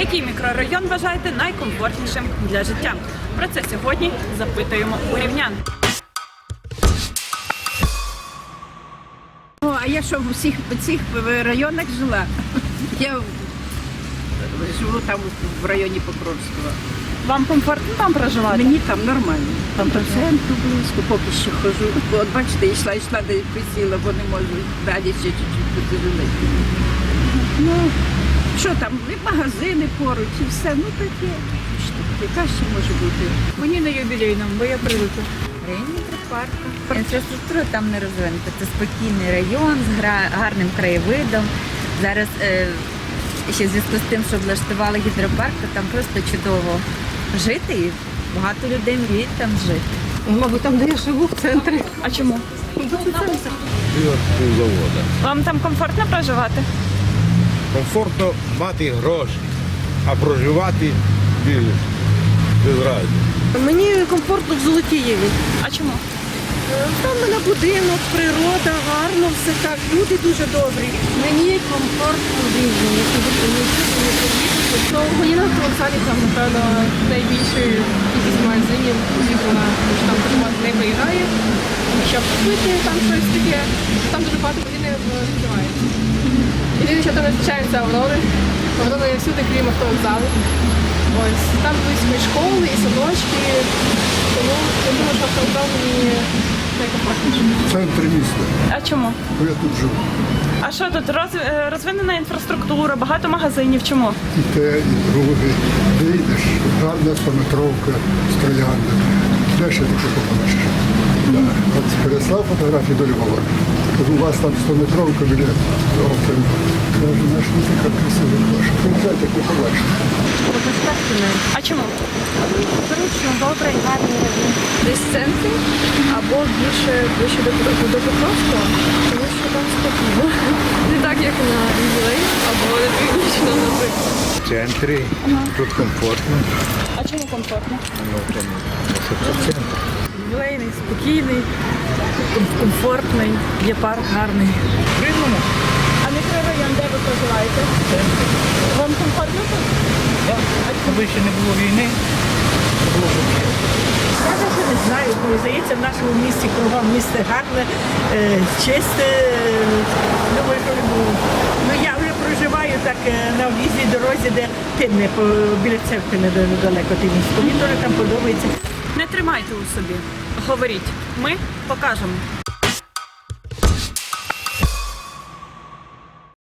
Який мікрорайон вважаєте найкомфортнішим для життя? Про це сьогодні запитуємо у рівнян. А я що в усіх цих районах жила? Я живу там в районі Покровського. Вам комфортно там проживати? Мені там нормально. Там до центру близько, поки що хожу. От бачите, йшла, де присіла, бо не можу далі ще чуть-чуть потяжелити. Ну, що там, і магазини поруч, і все, ну таке. Що яка ще може бути? Мені на юбілейному, бо я привикла. Районні парку. Інфраструктура там не розвинута. Це спокійний район з гарним краєвидом. Зараз ще в зв'язку з тим, що облаштували гідропарк, то там просто чудово жити і багато людей мріють там жити. Мабуть, там, де я живу, в центрі. А чому? Завода. Вам там комфортно проживати? Комфортно мати гроші, а проживати без разу. Мені комфортно в Золотієві. А чому? Там в мене будинок, природа, гарно, все так. Люди дуже добрі. Мені комфортно в Рівні. Мені на вокзалі там, напевно, найбільший кількість магазинів зібрана, тому що там дуже багато не виїжджає. Щоб купити там щось таке, там дуже багато магазинів відкривається. Єдине, що там не зустрічаються Аврори. Аврори є всюди, крім автовокзалу. Ось. Там близько і школи, і садочки. Тому я думаю, що автовокзал мені найкомфортніше. В центрі міста, А чому? бо я тут живу. А що тут розвинена інфраструктура, багато магазинів? Чому? І те, і друге. Вийдеш, гарна стометровка, стрілянна. Де ще таке побачиш? Да. От переслав фотографії до Львова. Кажу, у вас там стометровка біля окрем. Кажу, наш не така красива ваша. Приїжджайте, як ви побачите. А чому? Зручно, добре, гарний район. Десь в центрі або більше ближче до Покровського, тому що там спокійно. Не так, як на Ювілей або на Північно, наприклад. В центрі, тут комфортно. А чому комфортно? Ну, тому що це центр. Ювілейний, спокійний, комфортний, є парк гарний. А мікрорайон, де ви проживаєте? Вам комфортно тут? Коли ще не було війни, це було добре. Я навіть не знаю, бо здається, в нашому місті кругом місто гарне, чисте. Думаю, що не було. Ну я вже проживаю так на об'їзній дорозі, де Тинне, біля церкви недалеко Тинівську. Мені дуже там подобається. Не тримайте у собі. Говоріть. Ми покажемо.